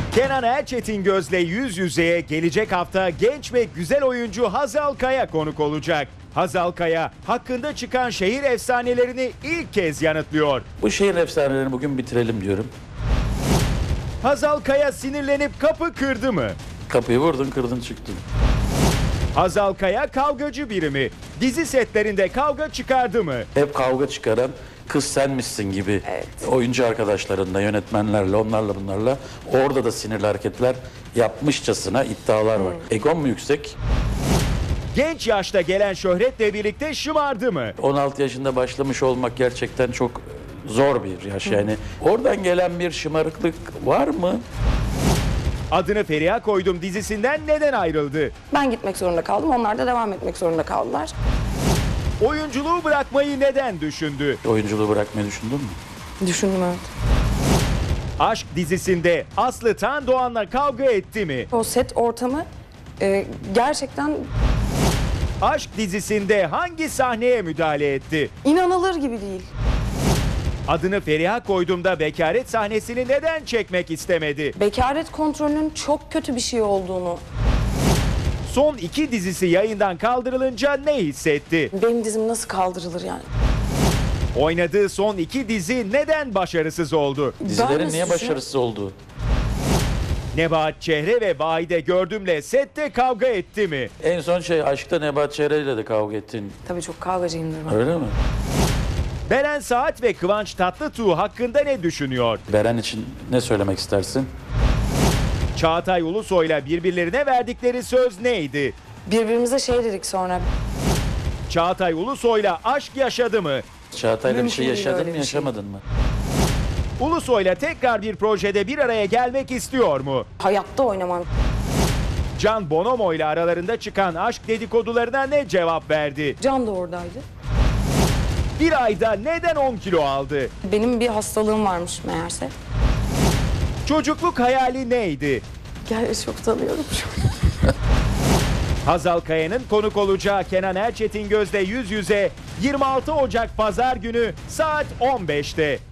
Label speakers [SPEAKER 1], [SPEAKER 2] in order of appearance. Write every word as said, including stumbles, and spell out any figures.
[SPEAKER 1] Kenan Erçetingöz'le yüz yüzeye gelecek hafta genç ve güzel oyuncu Hazal Kaya konuk olacak. Hazal Kaya hakkında çıkan şehir efsanelerini ilk kez yanıtlıyor.
[SPEAKER 2] Bu şehir efsanelerini bugün bitirelim diyorum.
[SPEAKER 1] Hazal Kaya sinirlenip kapı kırdı mı?
[SPEAKER 2] Kapıyı vurdun, kırdın, çıktın.
[SPEAKER 1] Hazal Kaya kavgacı biri mi? Dizi setlerinde kavga çıkardı mı?
[SPEAKER 2] Hep kavga çıkaran kız senmişsin gibi
[SPEAKER 3] Evet.
[SPEAKER 2] oyuncu arkadaşlarınla, yönetmenlerle, onlarla bunlarla orada da sinirli hareketler yapmışçasına iddialar var. Egon mu yüksek?
[SPEAKER 1] Genç yaşta gelen şöhretle birlikte şımardı mı?
[SPEAKER 2] on altı yaşında başlamış olmak gerçekten çok zor bir yaş yani. Oradan gelen bir şımarıklık var mı?
[SPEAKER 1] Adını Feriha Koydum dizisinden neden ayrıldı?
[SPEAKER 3] Ben gitmek zorunda kaldım. Onlar da devam etmek zorunda kaldılar.
[SPEAKER 1] Oyunculuğu bırakmayı neden düşündü?
[SPEAKER 2] Oyunculuğu bırakmayı düşündün mü?
[SPEAKER 3] Düşündüm, evet.
[SPEAKER 1] Aşk dizisinde Aslı Tan Doğan'la kavga etti mi?
[SPEAKER 3] O set ortamı e, gerçekten
[SPEAKER 1] Aşk dizisinde hangi sahneye müdahale etti?
[SPEAKER 3] inanılır gibi değil.
[SPEAKER 1] Adını Feriha Koydum'da bekaret sahnesini neden çekmek istemedi?
[SPEAKER 3] Bekaret kontrolünün çok kötü bir şey olduğunu,
[SPEAKER 1] Son iki dizisi yayından kaldırılınca ne hissetti?
[SPEAKER 3] benim dizim nasıl kaldırılır yani?
[SPEAKER 1] Oynadığı son iki dizi neden başarısız oldu?
[SPEAKER 2] Dizilerin
[SPEAKER 3] nasıl
[SPEAKER 2] niye
[SPEAKER 3] düşünüyorum?
[SPEAKER 2] başarısız olduğu?
[SPEAKER 1] Nebahat Çehre ve Vahide Gördüm'le sette kavga etti mi?
[SPEAKER 2] En son şey Aşkta Nebahat Çehre ile de kavga ettin.
[SPEAKER 3] Tabii çok kavgacıyımdır ben.
[SPEAKER 2] Öyle mi?
[SPEAKER 1] Beren Saat ve Kıvanç Tatlıtuğ hakkında ne düşünüyor?
[SPEAKER 2] Beren için ne söylemek istersin?
[SPEAKER 1] Çağatay Ulusoy'la birbirlerine verdikleri söz neydi?
[SPEAKER 3] Birbirimize şey dedik sonra.
[SPEAKER 1] Çağatay Ulusoy'la aşk yaşadı mı?
[SPEAKER 2] Çağatay'la bir
[SPEAKER 3] Mümkün
[SPEAKER 2] şey
[SPEAKER 3] değil
[SPEAKER 2] yaşadın
[SPEAKER 3] öyle
[SPEAKER 2] mı,
[SPEAKER 3] bir şey.
[SPEAKER 2] yaşamadın mı?
[SPEAKER 1] Ulusoy'la tekrar bir projede bir araya gelmek istiyor mu?
[SPEAKER 3] Hayatta oynamam.
[SPEAKER 1] Can Bonomo ile aralarında çıkan aşk dedikodularına ne cevap verdi?
[SPEAKER 3] Can da oradaydı.
[SPEAKER 1] Bir ayda neden on kilo aldı?
[SPEAKER 3] Benim bir hastalığım varmış meğerse.
[SPEAKER 1] Çocukluk hayali neydi?
[SPEAKER 3] Gel, çok tanıyorum şu an.
[SPEAKER 1] Hazal Kaya'nın konuk olacağı Kenan Erçetingöz'le yüz yüze yirmi altı Ocak Pazar günü saat on beşte.